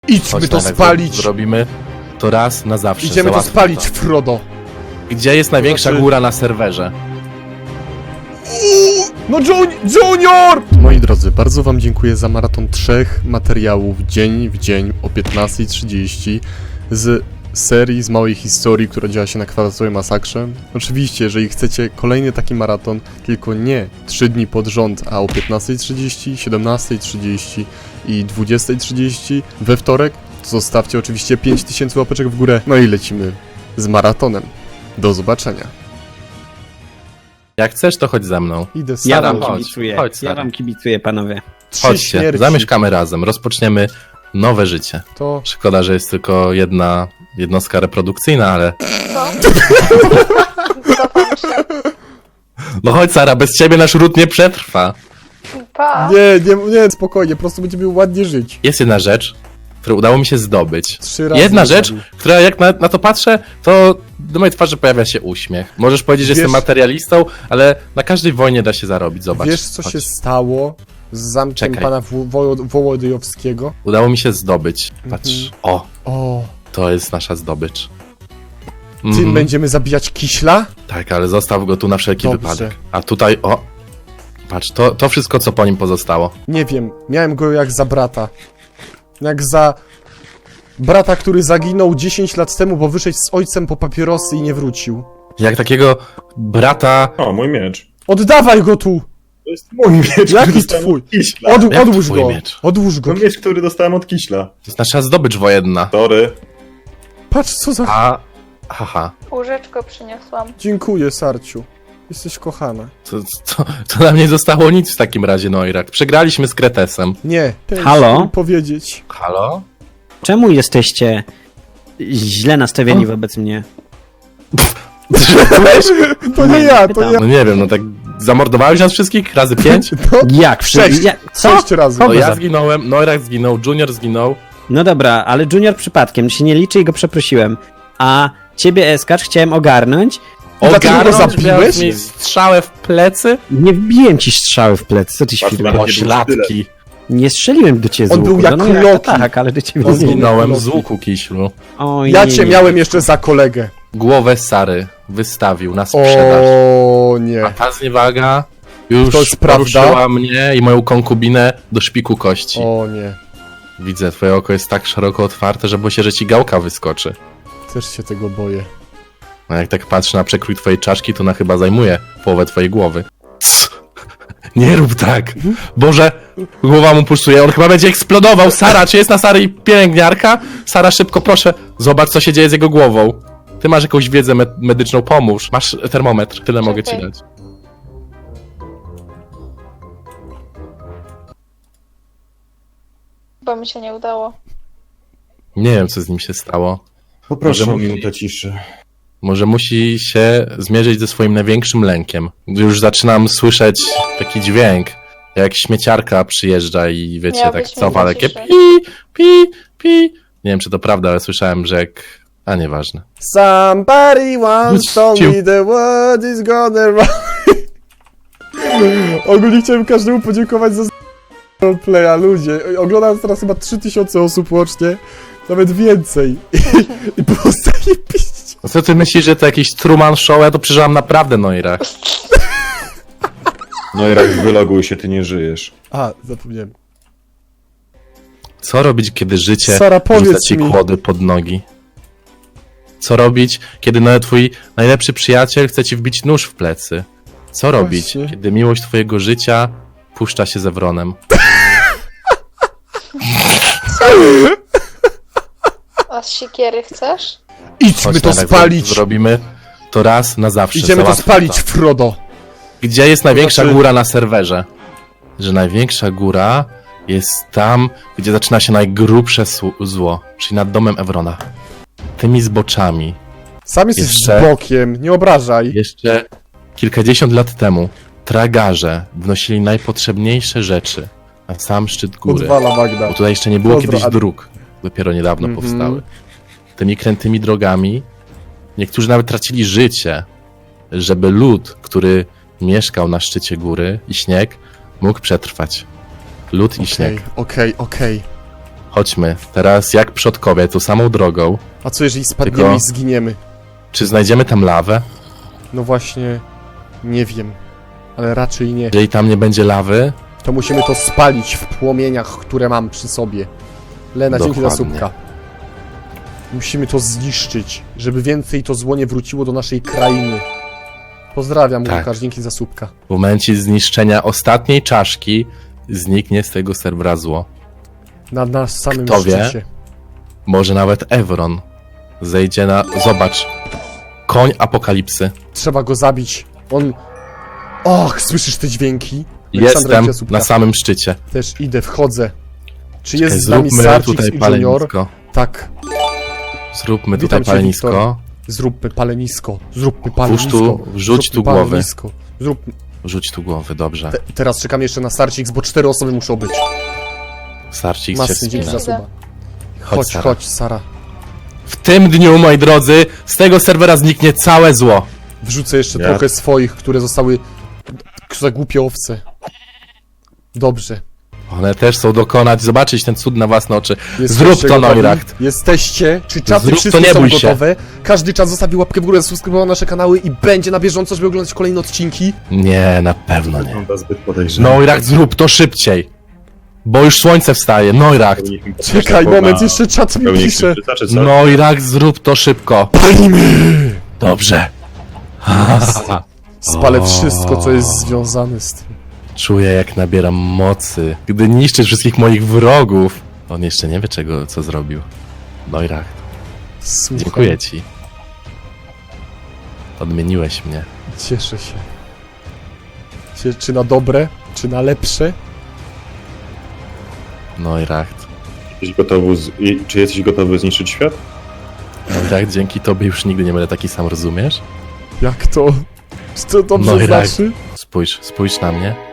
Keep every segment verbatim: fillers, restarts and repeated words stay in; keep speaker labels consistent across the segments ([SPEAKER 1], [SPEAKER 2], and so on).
[SPEAKER 1] Idźmy
[SPEAKER 2] Chodź,
[SPEAKER 1] to
[SPEAKER 2] Nowek,
[SPEAKER 1] spalić!
[SPEAKER 2] Zrobimy to raz na zawsze.
[SPEAKER 1] Idziemy to
[SPEAKER 2] Załatwmy
[SPEAKER 1] spalić, Frodo!
[SPEAKER 2] Gdzie jest największa
[SPEAKER 1] Znaczy-
[SPEAKER 2] góra na serwerze?
[SPEAKER 1] No Jun Junior! Moi drodzy, bardzo wam dziękuję za maraton trzech materiałów dzień w dzień o piętnastej trzydzieści z serii, z małej historii, która działa się na kwadratowej masakrze. Oczywiście, jeżeli chcecie kolejny taki maraton, tylko nie trzy dni pod rząd, a o piętnastej trzydzieści, siedemnastej trzydzieści i dwudziestej trzydzieści we wtorek, to zostawcie oczywiście pięć tysięcy łapeczek w górę. No i lecimy z maratonem. Do zobaczenia.
[SPEAKER 2] Jak chcesz, to chodź ze mną.
[SPEAKER 1] Idę
[SPEAKER 3] Ja
[SPEAKER 1] sam.
[SPEAKER 3] wam
[SPEAKER 2] chodź,
[SPEAKER 3] kibicuję,
[SPEAKER 2] chodź,
[SPEAKER 3] ja
[SPEAKER 2] stary.
[SPEAKER 3] wam kibicuję, panowie.
[SPEAKER 1] Trzy
[SPEAKER 2] Chodźcie,
[SPEAKER 1] śmierci.
[SPEAKER 2] zamieszkamy razem, rozpoczniemy nowe życie.
[SPEAKER 1] To...
[SPEAKER 2] Szkoda, że jest tylko jedna jednostka reprodukcyjna, ale... No chodź, Sara, bez ciebie nasz ród nie przetrwa.
[SPEAKER 4] Pa!
[SPEAKER 1] Nie, nie, nie, spokojnie, po prostu będziemy ładnie żyć.
[SPEAKER 2] Jest jedna rzecz, którą udało mi się zdobyć.
[SPEAKER 1] Trzy razy
[SPEAKER 2] Jedna
[SPEAKER 1] nie
[SPEAKER 2] rzecz,
[SPEAKER 1] zabił.
[SPEAKER 2] która jak na, na to patrzę, to do mojej twarzy pojawia się uśmiech. Możesz powiedzieć, że
[SPEAKER 1] Wiesz-
[SPEAKER 2] jestem materialistą, ale na każdej wojnie da się zarobić, zobacz.
[SPEAKER 1] Wiesz, co
[SPEAKER 2] Chodź.
[SPEAKER 1] się stało z zamkiem
[SPEAKER 2] Czekaj.
[SPEAKER 1] pana Wo- Wo- Wołodyjowskiego?
[SPEAKER 2] Udało mi się zdobyć. Patrz,
[SPEAKER 1] Mhm.
[SPEAKER 2] o,
[SPEAKER 1] O,
[SPEAKER 2] to jest nasza zdobycz.
[SPEAKER 1] tym
[SPEAKER 2] Mhm.
[SPEAKER 1] będziemy zabijać Kiśla?
[SPEAKER 2] Tak, ale zostaw go tu na wszelki
[SPEAKER 1] Dobrze.
[SPEAKER 2] wypadek. A tutaj, o, patrz, to, to wszystko, co po nim pozostało.
[SPEAKER 1] Nie wiem, miałem go jak za brata. Jak za brata, który zaginął dziesięć lat temu, bo wyszedł z ojcem po papierosy i nie wrócił.
[SPEAKER 2] Jak takiego brata...
[SPEAKER 5] O, mój miecz.
[SPEAKER 1] Oddawaj go tu!
[SPEAKER 5] To jest mój miecz, który
[SPEAKER 1] Jaki
[SPEAKER 5] dostałem
[SPEAKER 1] twój?
[SPEAKER 5] od Kiśla.
[SPEAKER 1] Od,
[SPEAKER 2] Jak
[SPEAKER 1] odłóż
[SPEAKER 2] twój
[SPEAKER 1] go!
[SPEAKER 2] miecz?
[SPEAKER 1] Odłóż go!
[SPEAKER 5] To miecz, który dostałem od Kiśla.
[SPEAKER 2] To jest nasza zdobycz wojenna.
[SPEAKER 5] Sorry.
[SPEAKER 1] Patrz, co za...
[SPEAKER 2] A, haha,
[SPEAKER 4] Łóżeczko przyniosłam.
[SPEAKER 1] Dziękuję, Sarciu. Jesteś kochana.
[SPEAKER 2] to, to, to nam nie zostało nic w takim razie, Noirak. Przegraliśmy z Kretesem.
[SPEAKER 1] Nie, ten
[SPEAKER 3] Halo?
[SPEAKER 1] chciał mi powiedzieć.
[SPEAKER 2] Halo?
[SPEAKER 3] Czemu jesteście źle nastawieni wobec mnie?
[SPEAKER 1] To nie ja, to
[SPEAKER 3] pytam.
[SPEAKER 1] nie ja.
[SPEAKER 2] No nie wiem, no tak zamordowałeś nas wszystkich razy pięć?
[SPEAKER 1] No,
[SPEAKER 3] Jak?
[SPEAKER 1] Sześć.
[SPEAKER 3] Ja, co?
[SPEAKER 1] sześć razy.
[SPEAKER 2] No
[SPEAKER 3] Kogo
[SPEAKER 2] ja
[SPEAKER 3] za-
[SPEAKER 2] zginąłem, Noirak zginął, Junior zginął.
[SPEAKER 3] No dobra, ale Junior przypadkiem się nie liczy i go przeprosiłem. A ciebie, Eskacz, chciałem ogarnąć.
[SPEAKER 1] dlaczego go
[SPEAKER 2] Ogarnąć,
[SPEAKER 1] zabiłeś?
[SPEAKER 2] miałeś mi strzałę w plecy?
[SPEAKER 3] Nie wbiłem ci strzały w plecy, co ty
[SPEAKER 5] Patrz,
[SPEAKER 3] świrujesz?
[SPEAKER 5] Marek.
[SPEAKER 2] Pośladki.
[SPEAKER 3] Nie strzeliłem do ciebie z
[SPEAKER 1] On
[SPEAKER 3] łuku.
[SPEAKER 1] był jak
[SPEAKER 3] no, no,
[SPEAKER 1] Loki.
[SPEAKER 3] Tak, ale do ciebie
[SPEAKER 1] On
[SPEAKER 3] nie.
[SPEAKER 1] był-
[SPEAKER 2] Zginąłem z łuku, Kiślu.
[SPEAKER 3] Oj,
[SPEAKER 1] Ja
[SPEAKER 3] nie,
[SPEAKER 1] cię
[SPEAKER 3] nie.
[SPEAKER 1] miałem jeszcze za kolegę.
[SPEAKER 2] Głowę Sary wystawił na sprzedaż.
[SPEAKER 1] O
[SPEAKER 2] A
[SPEAKER 1] nie.
[SPEAKER 2] ta zniewaga już
[SPEAKER 1] To jest prawda?
[SPEAKER 2] poruszyła mnie i moją konkubinę do szpiku kości.
[SPEAKER 1] O nie.
[SPEAKER 2] Widzę, twoje oko jest tak szeroko otwarte, że boję się, że ci gałka wyskoczy.
[SPEAKER 1] Też się tego boję.
[SPEAKER 2] A jak tak patrzę na przekrój twojej czaszki, to ona chyba zajmuje połowę twojej głowy. Nie rób tak! Boże, głowa mu pulsuje, on chyba będzie eksplodował! Sara, czy jest na Sary pielęgniarka? Sara, szybko, proszę, zobacz, co się dzieje z jego głową. Ty masz jakąś wiedzę me medyczną, pomóż. Masz termometr, tyle mogę ci
[SPEAKER 4] Czekaj.
[SPEAKER 2] dać.
[SPEAKER 4] Bo mi się nie udało.
[SPEAKER 2] Nie wiem, co z nim się stało.
[SPEAKER 5] Poproszę
[SPEAKER 2] Może
[SPEAKER 5] o
[SPEAKER 2] musi-
[SPEAKER 5] minutę ciszy.
[SPEAKER 2] Może musi się zmierzyć ze swoim największym lękiem. Już zaczynam słyszeć taki dźwięk, jak śmieciarka przyjeżdża i wiecie,
[SPEAKER 4] Miałbyś
[SPEAKER 2] tak cofa
[SPEAKER 4] minutę
[SPEAKER 2] takie
[SPEAKER 4] ciszy.
[SPEAKER 2] pi, pi, pi. Nie wiem, czy to prawda, ale słyszałem, że jak... A nieważne.
[SPEAKER 1] Somebody once told
[SPEAKER 2] Ciu.
[SPEAKER 1] me the world is gonna run. Ogólnie chciałem każdemu podziękować za roleplaya, ludzie. Oglądam teraz chyba trzy tysiące osób łącznie. Nawet więcej. I było zajebiście.
[SPEAKER 2] No co ty myślisz, że to jakiś Truman Show? Ja to przeżyłam naprawdę, Noirach.
[SPEAKER 5] No i rak, wyloguj się, ty nie żyjesz.
[SPEAKER 1] A, zapomniałem.
[SPEAKER 2] Co robić, kiedy życie
[SPEAKER 1] Sara,
[SPEAKER 2] rzuca
[SPEAKER 1] powiedz
[SPEAKER 2] ci
[SPEAKER 1] mi.
[SPEAKER 2] kłody pod nogi? Co robić, kiedy nawet twój najlepszy przyjaciel chce ci wbić nóż w plecy? Co robić,
[SPEAKER 1] Właśnie.
[SPEAKER 2] kiedy miłość twojego życia puszcza się ze wronem?
[SPEAKER 4] A z siekiery chcesz?
[SPEAKER 1] Idźmy
[SPEAKER 2] Chodź,
[SPEAKER 1] to
[SPEAKER 2] Nowek,
[SPEAKER 1] spalić.
[SPEAKER 2] Zrobimy to raz na zawsze.
[SPEAKER 1] Idziemy to
[SPEAKER 2] Załatwmy
[SPEAKER 1] spalić, Frodo.
[SPEAKER 2] Gdzie jest największa
[SPEAKER 1] znaczy-
[SPEAKER 2] góra na serwerze? Że największa góra jest tam, gdzie zaczyna się najgrubsze su- zło, czyli nad domem Ewrona. Tymi zboczami.
[SPEAKER 1] Sam jesteś
[SPEAKER 2] Jeszcze-
[SPEAKER 1] bokiem, nie obrażaj.
[SPEAKER 2] Jeszcze kilkadziesiąt lat temu tragarze wnosili najpotrzebniejsze rzeczy na sam szczyt góry.
[SPEAKER 1] Odwala Magda.
[SPEAKER 2] Bo tutaj jeszcze nie było
[SPEAKER 1] Pozdro,
[SPEAKER 2] kiedyś
[SPEAKER 1] Adi.
[SPEAKER 2] dróg. Dopiero niedawno
[SPEAKER 1] Mhm.
[SPEAKER 2] powstały. Tymi krętymi drogami niektórzy nawet tracili życie, żeby lud, który mieszkał na szczycie góry i śnieg, mógł przetrwać. Lód i
[SPEAKER 1] Okej,
[SPEAKER 2] śnieg.
[SPEAKER 1] okej, okej.
[SPEAKER 2] Chodźmy, teraz jak przodkowie, tą samą drogą.
[SPEAKER 1] A co jeżeli spadniemy
[SPEAKER 2] Tylko-
[SPEAKER 1] i zginiemy?
[SPEAKER 2] Czy znajdziemy tam lawę?
[SPEAKER 1] No właśnie, nie wiem. Ale raczej nie.
[SPEAKER 2] Jeżeli tam nie będzie lawy,
[SPEAKER 1] To musimy to spalić w płomieniach, które mam przy sobie. Lena, dzięki za
[SPEAKER 2] Dokładnie.
[SPEAKER 1] słupka. Musimy to zniszczyć, żeby więcej to zło nie wróciło do naszej krainy. Pozdrawiam,
[SPEAKER 2] Tak.
[SPEAKER 1] Łukasz, dzięki za słupka.
[SPEAKER 2] w momencie zniszczenia ostatniej czaszki, zniknie z tego serwera zło.
[SPEAKER 1] Na nas samym
[SPEAKER 2] Kto wie?
[SPEAKER 1] szczycie.
[SPEAKER 2] Może nawet Evron zejdzie na... Zobacz. Koń apokalipsy.
[SPEAKER 1] Trzeba go zabić. On... Och, słyszysz te dźwięki? Aleksandra,
[SPEAKER 2] Jestem
[SPEAKER 1] dzięki za słupka.
[SPEAKER 2] na samym szczycie.
[SPEAKER 1] Też idę, wchodzę. Czy
[SPEAKER 2] Czekaj,
[SPEAKER 1] jest z nami
[SPEAKER 2] zróbmy
[SPEAKER 1] Sarcix
[SPEAKER 2] tutaj
[SPEAKER 1] i Junior?
[SPEAKER 2] palenisko.
[SPEAKER 1] Tak.
[SPEAKER 2] Zróbmy
[SPEAKER 1] Witam
[SPEAKER 2] tutaj
[SPEAKER 1] cię,
[SPEAKER 2] palenisko.
[SPEAKER 1] Wiktor. Zróbmy palenisko. Zróbmy
[SPEAKER 2] Włóż
[SPEAKER 1] palenisko.
[SPEAKER 2] tu, wrzuć
[SPEAKER 1] Zróbmy
[SPEAKER 2] tu głowy.
[SPEAKER 1] palenisko. Zrób...
[SPEAKER 2] Rzuć tu głowy, dobrze.
[SPEAKER 1] Te, teraz czekam jeszcze na Sarcix, bo cztery osoby muszą być.
[SPEAKER 2] Starcik się
[SPEAKER 1] Masny, dzięki
[SPEAKER 2] wspina.
[SPEAKER 1] za suba.
[SPEAKER 2] Chodź,
[SPEAKER 1] Chodź,
[SPEAKER 2] Sara.
[SPEAKER 1] chodź, Sara.
[SPEAKER 2] W tym dniu, moi drodzy, z tego serwera zniknie całe zło.
[SPEAKER 1] Wrzucę jeszcze
[SPEAKER 5] Ja-
[SPEAKER 1] trochę swoich, które zostały za głupie owce. Dobrze.
[SPEAKER 2] One też chcą dokonać, zobaczyć ten cud na własne oczy.
[SPEAKER 1] Jesteście
[SPEAKER 2] Zrób to,
[SPEAKER 1] gotowi?
[SPEAKER 2] Neuracht.
[SPEAKER 1] Jesteście? Czy czaty
[SPEAKER 2] Zrób to,
[SPEAKER 1] wszyscy
[SPEAKER 2] nie
[SPEAKER 1] są
[SPEAKER 2] bój się.
[SPEAKER 1] gotowe? Każdy czat zostawi łapkę w górę, zasubskrybował nasze kanały i będzie na bieżąco, żeby oglądać kolejne odcinki.
[SPEAKER 2] Nie, na pewno nie.
[SPEAKER 5] Wygląda zbyt podejrzanie.
[SPEAKER 2] Neuracht, zrób to szybciej. Bo już słońce wstaje. Neuracht.
[SPEAKER 5] Powinniśmy patrzeć
[SPEAKER 1] Czekaj,
[SPEAKER 5] na-
[SPEAKER 1] moment,
[SPEAKER 5] na-
[SPEAKER 1] jeszcze czat mi
[SPEAKER 5] pełni
[SPEAKER 1] pisze.
[SPEAKER 5] księżyca, czy co?
[SPEAKER 2] Neuracht, zrób to szybko.
[SPEAKER 1] Palimy!
[SPEAKER 2] Dobrze.
[SPEAKER 1] Spalę wszystko, co jest związane z tym.
[SPEAKER 2] Czuję, jak nabieram mocy, gdy niszczysz wszystkich moich wrogów. On jeszcze nie wie, czego, co zrobił. Neuracht,
[SPEAKER 1] Słucham.
[SPEAKER 2] dziękuję ci. Odmieniłeś mnie.
[SPEAKER 1] Cieszę się. Cie- Czy na dobre, czy na lepsze?
[SPEAKER 2] Neuracht.
[SPEAKER 5] Jesteś gotowy z... i- Czy jesteś gotowy zniszczyć świat?
[SPEAKER 2] Neuracht, dzięki tobie już nigdy nie będę taki sam, rozumiesz?
[SPEAKER 1] Jak to? Czy to dobrze
[SPEAKER 2] No i tak.
[SPEAKER 1] znaczy?
[SPEAKER 2] Spójrz, spójrz na mnie.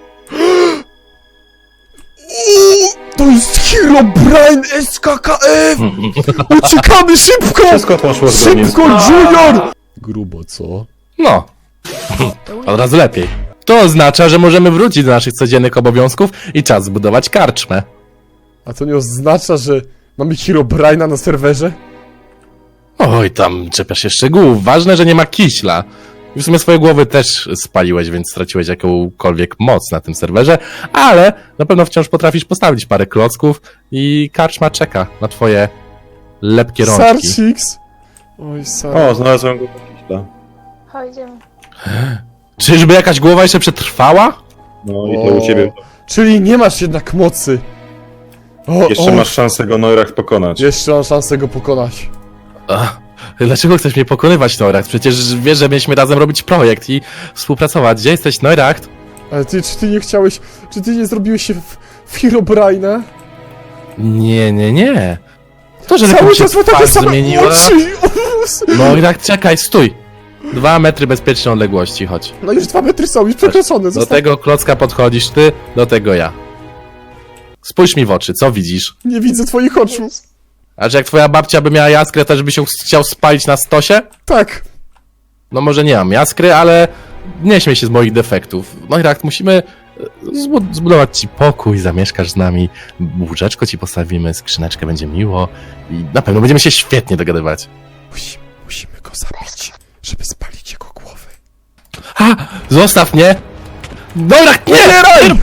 [SPEAKER 1] To jest Herobrine S K K F! Uciekamy szybko!
[SPEAKER 5] Wszystko poszło zgodnie z...
[SPEAKER 1] Szybko, Junior! Grubo, co?
[SPEAKER 2] No. Od razu lepiej. To oznacza, że możemy wrócić do naszych codziennych obowiązków i czas zbudować karczmę.
[SPEAKER 1] A to nie oznacza, że mamy Herobrine'a na serwerze?
[SPEAKER 2] Oj, tam czepiasz się szczegółów. Ważne, że nie ma kiśla. I w sumie swoje głowy też spaliłeś, więc straciłeś jakąkolwiek moc na tym serwerze, ale na pewno wciąż potrafisz postawić parę klocków i karczma czeka na twoje lepkie rączki.
[SPEAKER 1] Sarcix! Oj, Sar...
[SPEAKER 5] O, znalazłem go po kiśla.
[SPEAKER 4] Chodzimy.
[SPEAKER 2] Czyżby jakaś głowa jeszcze przetrwała?
[SPEAKER 5] No i to u ciebie.
[SPEAKER 1] Czyli nie masz jednak mocy. O,
[SPEAKER 5] Jeszcze
[SPEAKER 1] o,
[SPEAKER 5] masz szansę go Neuracht pokonać.
[SPEAKER 1] Jeszcze mam szansę go pokonać.
[SPEAKER 2] Ach, dlaczego chcesz mnie pokonywać, Neuracht? Przecież wiesz, że mieliśmy razem robić projekt i współpracować. Gdzie jesteś, Neuracht?
[SPEAKER 1] Ale ty, czy ty nie chciałeś... Czy ty nie zrobiłeś się w, w Herobrine'a?
[SPEAKER 2] Nie, nie, nie. To, że
[SPEAKER 1] Cały
[SPEAKER 2] lekko się
[SPEAKER 1] czas ma takie
[SPEAKER 2] twarz
[SPEAKER 1] same
[SPEAKER 2] zmieniła...
[SPEAKER 1] oczy!
[SPEAKER 2] Neuracht, czekaj, stój! Dwa metry bezpiecznej odległości, chodź.
[SPEAKER 1] No już dwa metry są, już przekroczone.
[SPEAKER 2] Do
[SPEAKER 1] Zostaw...
[SPEAKER 2] tego klocka podchodzisz ty, do tego ja. Spójrz mi w oczy, co widzisz?
[SPEAKER 1] Nie widzę twoich oczu.
[SPEAKER 2] A że jak twoja babcia by miała jaskrę, też by się chciał spalić na stosie?
[SPEAKER 1] Tak.
[SPEAKER 2] No może nie mam jaskry, ale nie śmiej się z moich defektów. Neuracht, musimy e, zbu- zbudować ci pokój, zamieszkasz z nami, łóżeczko ci postawimy, skrzyneczkę, będzie miło i na pewno będziemy się świetnie dogadywać.
[SPEAKER 1] Musimy, musimy go zabić, żeby spalić jego głowę.
[SPEAKER 2] Ha! Zostaw mnie! Neuracht, nie! nie!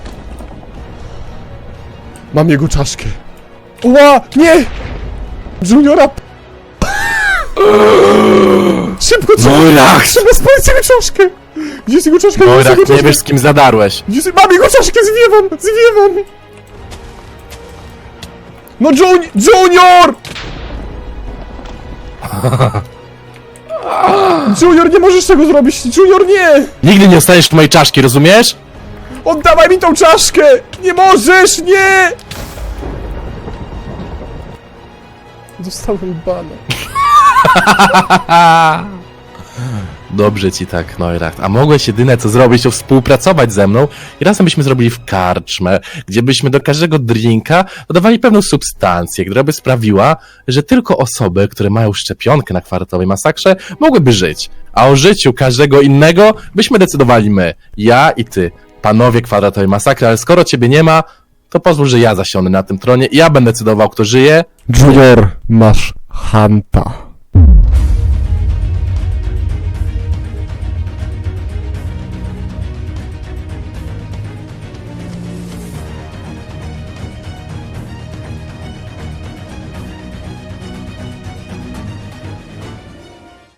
[SPEAKER 1] Mam jego czaszkę. Ła! Nie! Juniora! Szybko, trzeba,
[SPEAKER 2] Neuracht!
[SPEAKER 1] trzeba spalić jego czaszkę! Gdzie jest jego czaszka? Gdzie jest jego
[SPEAKER 2] Neuracht, nie
[SPEAKER 1] czaszka?
[SPEAKER 2] wiesz z kim zadarłeś.
[SPEAKER 1] Gdzie jest... Mam jego czaszkę! Zwiewam! Zwiewam! No Jun... Junior! Junior, nie możesz tego zrobić! Junior, nie!
[SPEAKER 2] Nigdy nie dostaniesz tu mojej czaszki, rozumiesz?
[SPEAKER 1] Oddawaj mi tą czaszkę! Nie możesz! Nie! Dostałem bana.
[SPEAKER 2] Dobrze ci tak, Neuracht. A mogłeś jedyne co zrobić, to współpracować ze mną i razem byśmy zrobili w karczmę, gdzie byśmy do każdego drinka dodawali pewną substancję, która by sprawiła, że tylko osoby, które mają szczepionkę na kwadratowej masakrze, mogłyby żyć. A o życiu każdego innego byśmy decydowali my. Ja i ty. Panowie kwadratowej masakry, ale skoro ciebie nie ma, to pozwól, że ja zasiądę na tym tronie i ja będę decydował, kto żyje.
[SPEAKER 1] Junior, masz Hanta.